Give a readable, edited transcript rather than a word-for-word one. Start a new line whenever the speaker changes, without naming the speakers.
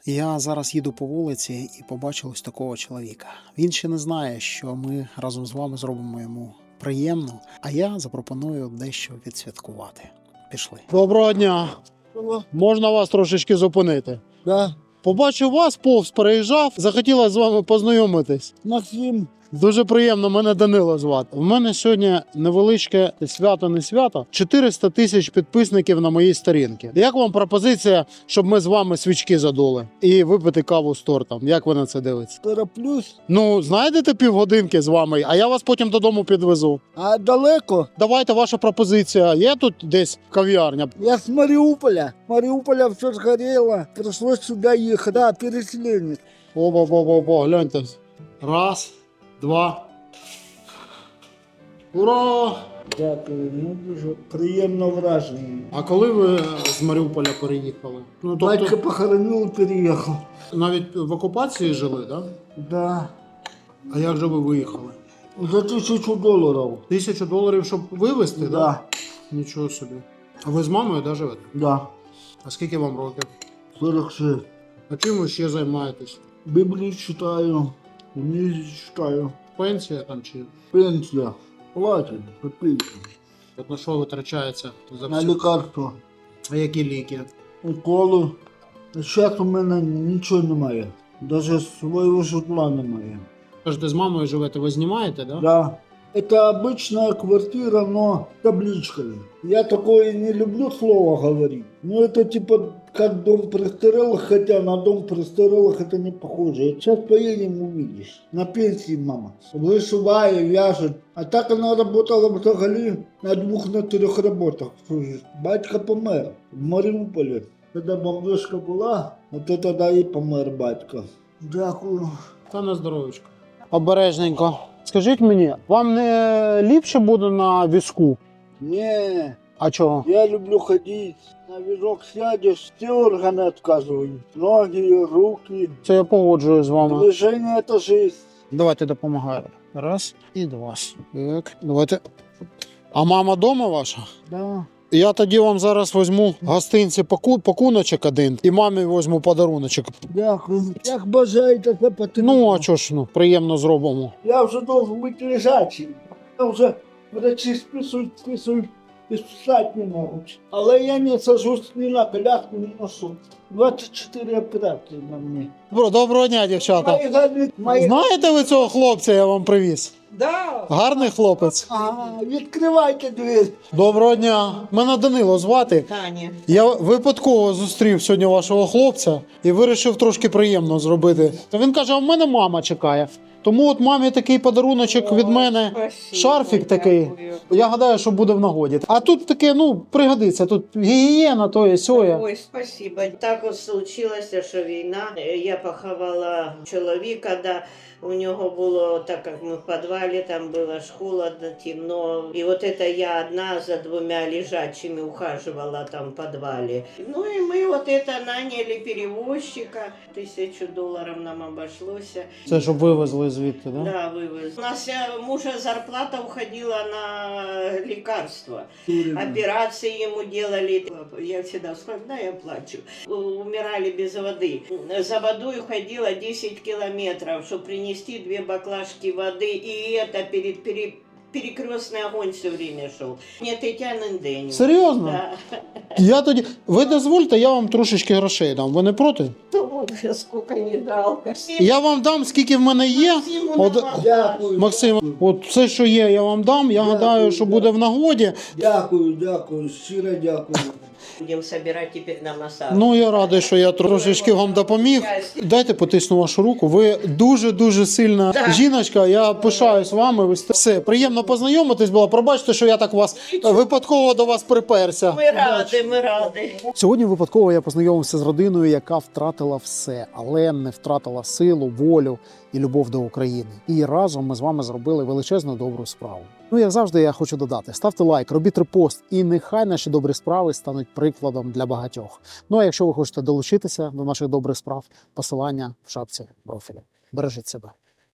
Я зараз їду по вулиці і побачив ось такого чоловіка. Він ще не знає, що ми разом з вами зробимо йому приємно, а я запропоную дещо відсвяткувати. Пішли. Доброго дня! Можна вас трошечки зупинити?
Да.
Побачив вас, повз переїжджав, захотіла з вами познайомитись.
Максим.
Дуже приємно, мене Данило звати. У мене сьогодні невеличке свято, не свято, 400 тисяч підписників на моїй сторінці. Як вам пропозиція, щоб ми з вами свічки задули і випити каву з тортом? Як ви на це дивитесь?
Переплюсь.
Ну, знайдете півгодинки з вами, а я вас потім додому підвезу.
А далеко?
Давайте, ваша пропозиція. Є тут десь кав'ярня?
Я с Мариуполя. Мариуполя все сгорело. Пришлось сюда ехать. Да, переселенец.
О, гляньте. Раз, два. Ура!
Дякую, ну дуже приємно враження.
А коли ви з Маріуполя переїхали? Ну,
Батька похоронил, переехал.
навіть в окупації жили, так?
Да.
А як же ви виїхали?
За $1000.
$1000, щоб вивезти, так?
Да.
Нічого собі. А ви з мамою, да, живете?
Да.
А скільки вам років?
46.
А чим ви ще займаєтесь?
Библию читаю. Не читаю.
Пенсія там чи?
Пенсия. Платит. Копейки.
От на що витрачається за
На
все?
лекарства.
А які ліки?
Уколи. Зараз у мене нічого немає. Даже свого житла немає.
Кажете, з мамою живете, ви знімаєте, да?
Да. Это обычная квартира, но с табличкой. Я такое не люблю слово говорить. Но это типа как дом престарелых, хотя на дом престарелых это не похоже. Сейчас поедем, увидишь. На пенсии мама. Вышивает, вяжет. А так она работала взагалі на 2-3 работах. Батька помер в Маріуполі. Когда бомбежка була, от это да і помер батько. Дякую.
Та на здоров'ячко. Обережненько. Скажіть мені, вам не ліпше буде на візку?
Не.
А чого?
Я люблю ходить. На візок сядешь, все органы отказывают. Ноги, руки.
Це я погоджую з вами.
Движение это жизнь.
Давайте допомагаю. Раз і два. Так, давайте. А мама вдома ваша?
Да.
Я тоді вам зараз візьму гостинці пакуночок один і мамі візьму подаруночок.
Дякую. Як бажаєте, це потрібно.
Ну, а чого ж, ну, приємно зробимо.
Я вже должен бути лежачим. Я вже врачі списують і списати не можуть. Але я не сажусь ні на коляску, ні на суд. 24 операції на мені.
Доброго дня, дівчата. Знаєте ви цього хлопця, я вам привіз?
Да.
Гарний хлопець.
Відкривайте двері.
Доброго дня. Мене Данило звати.
Таня.
Я випадково зустрів сьогодні вашого хлопця і вирішив трошки приємно зробити. Він каже, а в мене мама чекає. Тому от мамі такий подаруночок від мене,
Спасибо,
шарфік такий.
дякую.
Я гадаю, що буде в нагоді. А тут таке, ну, пригодиться. Тут гігієна, тоє, сьоє.
Ой, спасибо. Так от случилося, що війна. Я поховала чоловіка, да. У нього було, так як ми в підвалі, там було ж холодно, темно. І от це я одна за 2 лежачими ухаживала там в підвалі. Ну і ми от це наняли перевозчика. $1000 нам обошлося.
Це щоб вивезли звідти, да?
Да, вывез. У нас мужа зарплата уходила на лекарства. Операции ему делали. Я всегда вспоминаю, я плачу. Умирали без воды. За водой уходила 10 километров, чтобы принести 2 баклажки воды. И это перекрестный огонь все время шел. Нет, Тетянин день.
Серйозно?
Да.
Я тоді... Ви дозвольте, я вам трошечки грошей дам. Ви не проти?
То вот же сколько не дал.
Я вам дам, скільки в мене є. От...
Дякую.
Максим, от все, що є, я вам дам. Я гадаю, що буде в нагоді.
Дякую, щиро дякую.
Будем собирать теперь на массаж.
Ну, я радий, що я трошечки вам допоміг. Дайте потисну вашу руку. Ви дуже-дуже сильна жіночка. Я пишаюсь вами. Все, приємно познайомитись було. Пробачте, що я так вас випадково до вас приперся.
Ми раді.
Сьогодні випадково я познайомився з родиною, яка втратила все, але не втратила силу, волю і любов до України. І разом ми з вами зробили величезну добру справу. Ну, як завжди, я хочу додати: ставте лайк, робіть репост, і нехай наші добрі справи стануть прикладом для багатьох. Ну, а якщо ви хочете долучитися до наших добрих справ, посилання в шапці профілю. Бережіть себе.